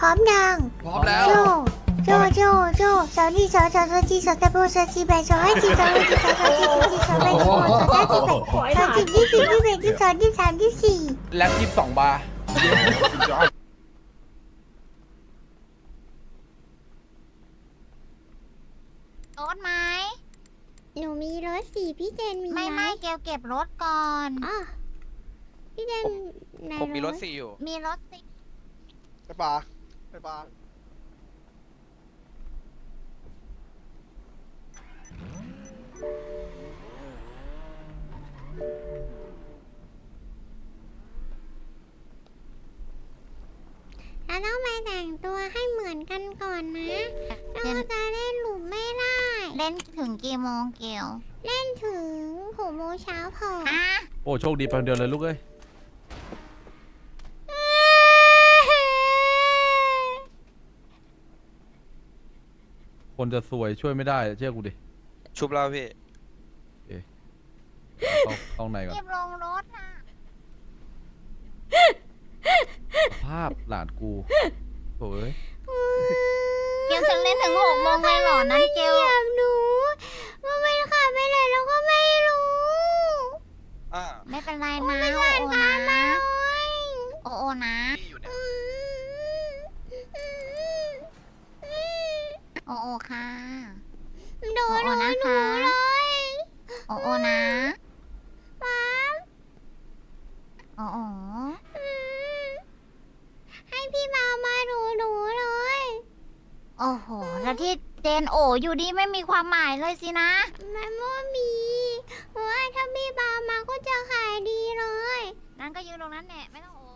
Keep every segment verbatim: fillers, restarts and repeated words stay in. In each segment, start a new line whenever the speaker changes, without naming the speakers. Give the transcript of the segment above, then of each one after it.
ร้อมยัง
พร้อมแล้ว
โจโจโจโจสาวนี่สาวสาวสาวจีสาวตะโบสาวจีแบสาวให้จีสาวให้จีสาวสาวจีสาวจีสาวแบสาวสาวจีแบสาวจีที่สี่ที่แบที่สองที่สามที่สี่
แล็บยี่สิบสองบาร์
รถไหม
หนูมีรถสี่พี่เจนมี
ไม่
ไหม
ไม่เกลเก็บรถก่อน
อ๋อพี่เจนใน
ผมมีรถสี่อยู่
มีรถสิ
ไปปลาไปปลา
เราต้องไปแต่งตัวให้เหมือนกันก่อนนะเราจะเล่นหลุมไม่ได้
เล่นถึงกี่โมงเกล
เล่นถึงหกโมงเช้าพอ
อ่ะ
โอ้โชคดีไปคนเดียวเลยลูกเอ้ยคนจะสวยช่วยไม่ได้เชื่อกูดิ
ชุบแล้วพี่
เข้าเข้าในก่อน
เก็บลงรถนะ
ภาพหลานกูโอ้ย
เกลจะเล่นถึงหกโมงเลยเหรอนั้นเกล
อยากหนูว่ามันขับไปไหนเราก็ไม่รู้
อ่า
ไม่เป็นไรนะ
ไม่
โอ
ทัน
โอ
ตา
นะ
มมาเลย
โอโอนะ
พี่อยู่เนี่ย
โอโอค่ะ
โดนหนูหนูเลย
โอโอนะ
ป๊า
โอโอ
ให้พี่มามาดูหนูเลย
โอ้โหแล้วที่เจนโออยู่ดีไม่มีความหมายเลยสินะ
มันไม่มีเพราะว่าถ้าพี่บามาก็จะขายดีเลย
นั้นก็ยืนตรงนั้นแหละไม่ต้องโอ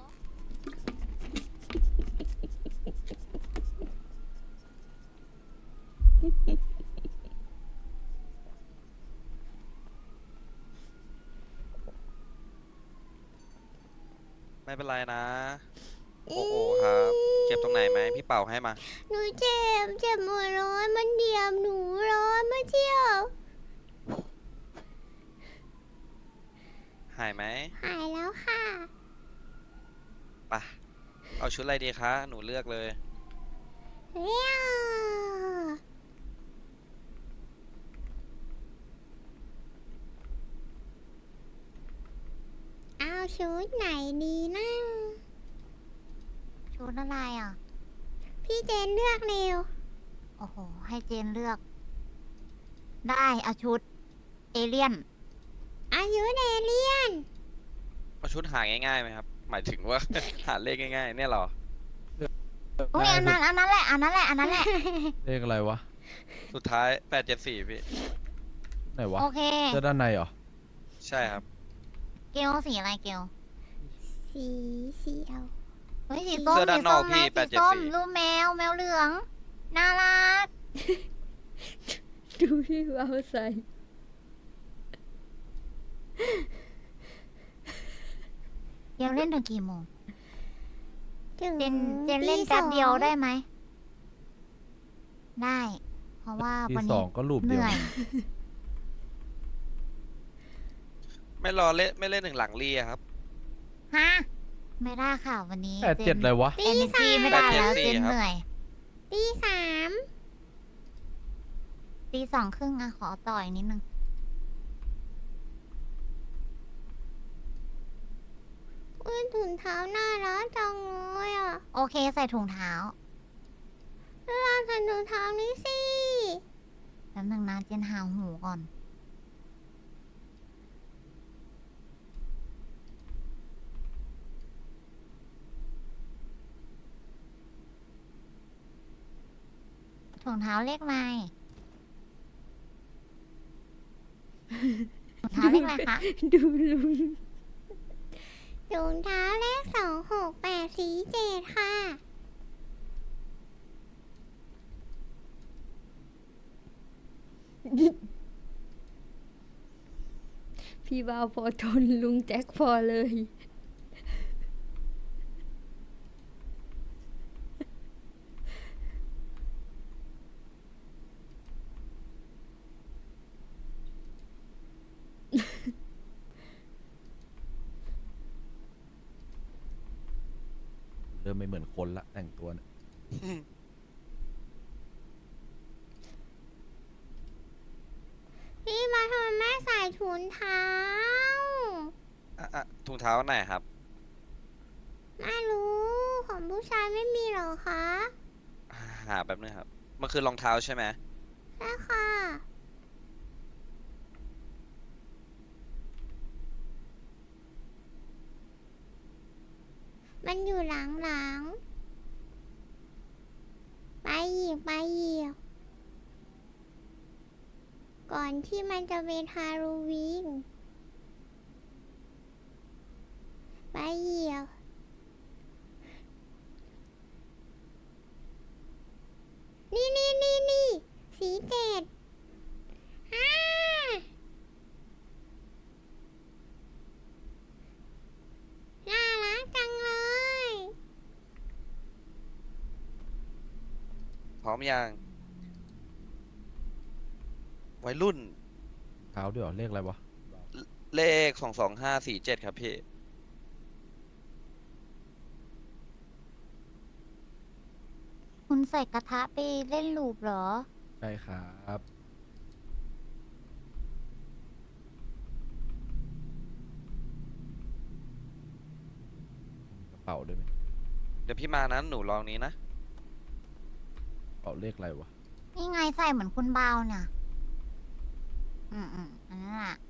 ไม่เป็นไรนะ โอ้โหครับ เจ็บตรงไหนไหมพี่เป่าให้มา
หนูเจ็บเจ็บหมดเลยมันเดียมหนูเลยเมื่อเที่ยว
หายไหม
หายแล้วค่ะ
ไปะเอาชุดอะไรดีคะ หนูเลือกเลย
เรียวเอาชุดไหนดีนะ
ชุดอะไรอ่ะ
พี่เจนเลือกเร็ว
โอ้โห ให้เจนเลือก ได้เอาชุด เอเลี่ยน
อายุเดเลียน
เอาชุดหาง่ายๆไหมครับ หมายถึงว่า หาเลขง่ายๆ เนี่ยเหรอ
อุ้ยอันนั้นอันนั้นแหละ อันนั้นแหละ อันนั้นแหละ
เลขอะไรวะ
สุดท้ายแปดเจ็ดสี่พี่
ไหนวะ
โอเค
เสื้อด้านในเหรอ
ใช่ครับ
เกลสีอะไรเกล
สีสีเอา
เฮ้ยสีส้ม
เสื้อด้านนอกพี่
สี
แป
ส้
ด
ม
เจ็ด
นะ
สี่
สีส้มรูปแมว แมวเหลือง น่ารัก
ดูพี่เอาใส่
เกลเล่นถึงกี่โมง
ถึง
เจน เจนเล่นแป๊บเดียวได้ไหม ได้ เพราะว่า
ที่
วัน
สอ
นี้
งก็รูป
เห
เดียว
นื่อย
ไม่รอเล่นไม่เล่นหนึ่งหลังเรียครับ
ฮะ ไม่ได้ค่ะวันนี้
แปดเจ็ดอะไรวะ
เอเนจีไม่ได้แล้ว
แปดเจ็ดสี่
เจน
ครับ
เหนื่อย
ตีสาม
ตีสองครึ่งอะขอต่อยนิดนึง
อุ้ยถุงเท้าน่ารักจังเลยอ่ะ
โอเคใส่ถุงเท้า
เราใส่ถุงเท้านี้สิ
แป๊บนึงนะเจนหาหูก่อน ถุงเท้าเลขอะไรถุงเท้าเลขอะไรคะ
ดูลุงถุงเท้าเลขสองหกแปดสี่เจ็ดค่ะ พี่บ่าวพอทนลุงแจ็คพอเลย
เริ่มไม่เหมือนคนละแต่งตัวเนี่ย
พี่มาทำไมไม่ใส่ถุงเท้า
อ่ะอ่ะถุงเท้าไหนครับ
ไม่รู้ของผู้ชายไม่มีหรอคะ
หาแบบนึงครับ มันคือรองเท้าใช่ไหม
ใช่ค่ะ มันอยู่หลังๆ ไปอีกไปอีก ก่อนที่มันจะเป็นฮาโลวีน ไปอีก นี่นี่นี่นี่สีเจ็ดฮ่าน่ารักจังเลย
พร้อมยัง วัยรุ่น
เท้าด้วยเหรอเลขอะไรวะ
เลขสองสองห้าสี่เจ็ดครับพี่
คุณใส่กระทะไปเล่นลูปเหรอ
ใช่ครับกระเป๋าด้วยไหม
เดี๋ยวพี่มานะหนูลองนี้นะ
กระเป๋าเลขอะไรวะ
นี่ไงใส่เหมือนคุณเบาเนี่ย อืมอืมอันนั้นแหละ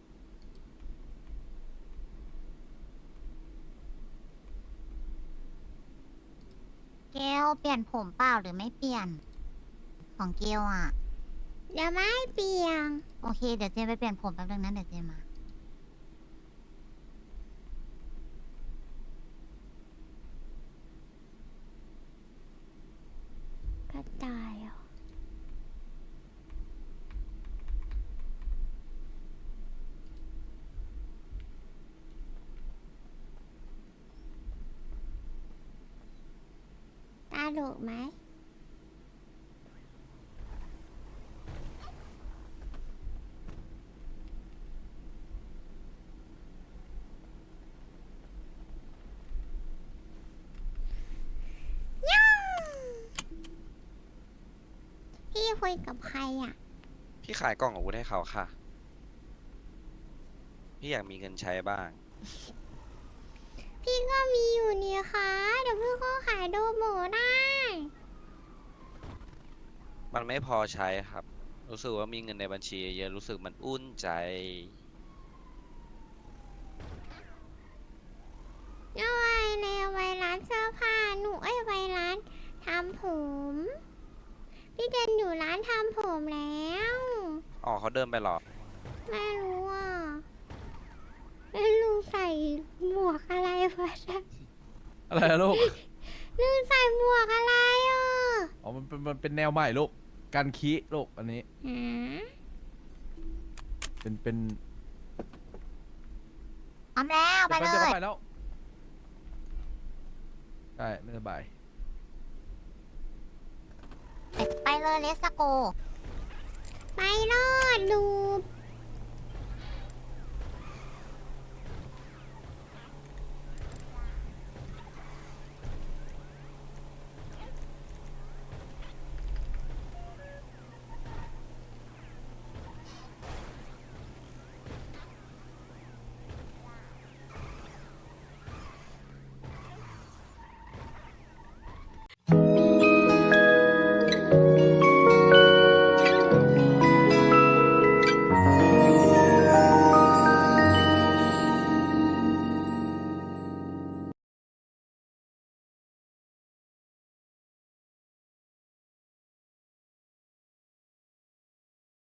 เกลเปลี่ยนผมเปล่าหรือไม่เปลี่ยน ของเกลอ่ะ
เดี๋ยวไม่เปลี่ยน
โอเค เดี๋ยวเจนไปเปลี่ยนผมแป๊บนึงนะเดี๋ยวเจนมา
กระต่ายเหรอตาดุไหม ย่าพี่คุยกับใครอ่ะ
พี่ขายกล่องอาวุธให้เขาค่ะ พี่อยากมีเงินใช้บ้าง
พี่ก็มีอยู่นี่คะเดี๋ยวพี่ก็ขายโดโมได้
มันไม่พอใช้ครับ รู้สึกว่ามีเงินในบัญชีเยอะรู้สึกมันอุ่นใจ
เอาไว้ในเอาไว้ร้านเสื้อผ้าหนูเอ้ยไว้ร้านทำผม พี่เดินอยู่ร้านทำผมแล้ว
อ๋อเขาเดินไปเหรอ
ไม่รู้อ่ะแล้วลุงใส่หมวกอะไรวะเนี่ย
อะไรอะลูก
ลุงใส่หมวกอะไรอ่ะ
อ๋อมันเป็นมันเป็นแนวใหม่ลูกการคีลูกอันนี้
ฮะ
เป็นเป็น
พร้อมแล้วไป
ดี๋ว
เล
ดี๋วย
ย
ไปแล้วใช่ไม่สบาย
ไปเลยเลสโก
ไปรอดดู